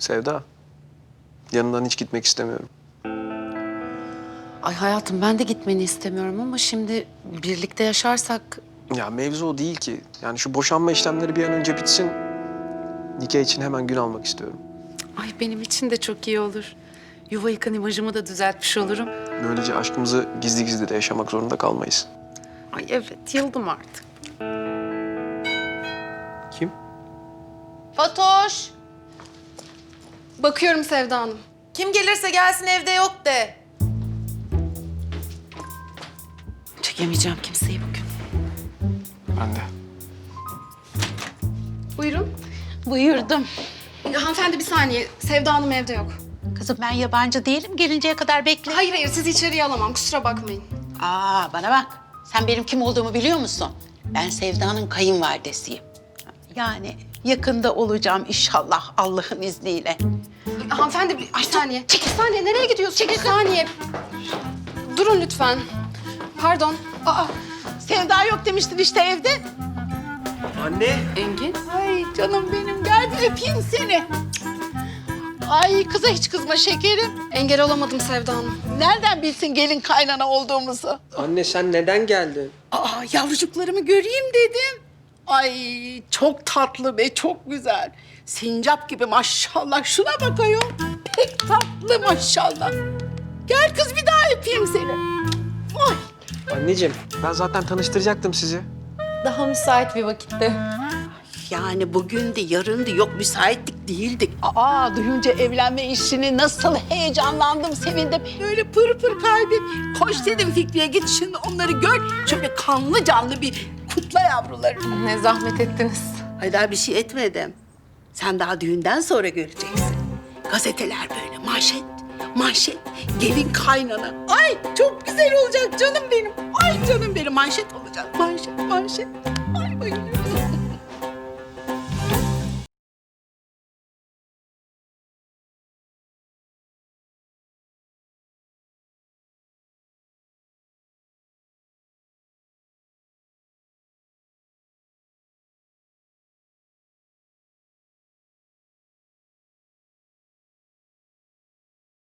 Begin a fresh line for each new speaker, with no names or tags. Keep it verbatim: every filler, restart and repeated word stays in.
Sevda, yanından hiç gitmek istemiyorum.
Ay hayatım ben de gitmeni istemiyorum ama şimdi birlikte yaşarsak...
Ya mevzu o değil ki. Yani şu boşanma işlemleri bir an önce bitsin. Nikah için hemen gün almak istiyorum.
Ay benim için de çok iyi olur. Yuva yıkan imajımı da düzeltmiş olurum.
Böylece aşkımızı gizli gizli de yaşamak zorunda kalmayız.
Ay evet yıldım artık.
Kim?
Fatoş!
Bakıyorum Sevda Hanım.
Kim gelirse gelsin evde yok de. Çekemeyeceğim kimseyi bugün.
Ben de.
Buyurun.
Buyurdum.
Ya, hanımefendi bir saniye. Sevda Hanım evde yok.
Kızım ben yabancı değilim. Gelinceye kadar bekle.
Hayır hayır sizi içeriye alamam. Kusura bakmayın.
Aa bana bak. Sen benim kim olduğumu biliyor musun? Ben Sevda'nın kayınvalidesiyim. Yani yakında olacağım inşallah Allah'ın izniyle.
Hanımefendi bir, bir saniye. Bir saniye nereye gidiyorsun? Bir saniye. Durun lütfen. Pardon.
Aa Sevda yok demiştin işte evde.
Anne.
Engin?
Ay canım benim gel bir öpeyim seni. Ay kıza hiç kızma şekerim.
Engel olamadım Sevda Hanım.
Nereden bilsin gelin kaynana olduğumuzu?
Anne sen neden geldin?
Aa yavrucuklarımı göreyim dedim. Ay çok tatlı ve çok güzel. Sincap gibi maşallah. Şuna bakayım. Pek tatlı maşallah. Gel kız bir daha öpeyim seni. Ay.
Anneciğim ben zaten tanıştıracaktım sizi.
Daha müsait bir vakitte.
Yani bugün de yarın da yok müsaitlik değildik. Aa duyunca evlenme işini nasıl heyecanlandım, sevindim. Böyle pır pır kalbim. Koş dedim Fikri'ye git şimdi onları gör. Şöyle kanlı canlı bir kutla yavrularını.
Ne zahmet ettiniz.
Ay daha bir şey etmedim. Sen daha düğünden sonra göreceksin. Gazeteler böyle manşet, manşet, gelin kaynana. Ay çok güzel olacak canım benim. Ay canım benim manşet olacak. Manşet, manşet. Ay bayılıyorum.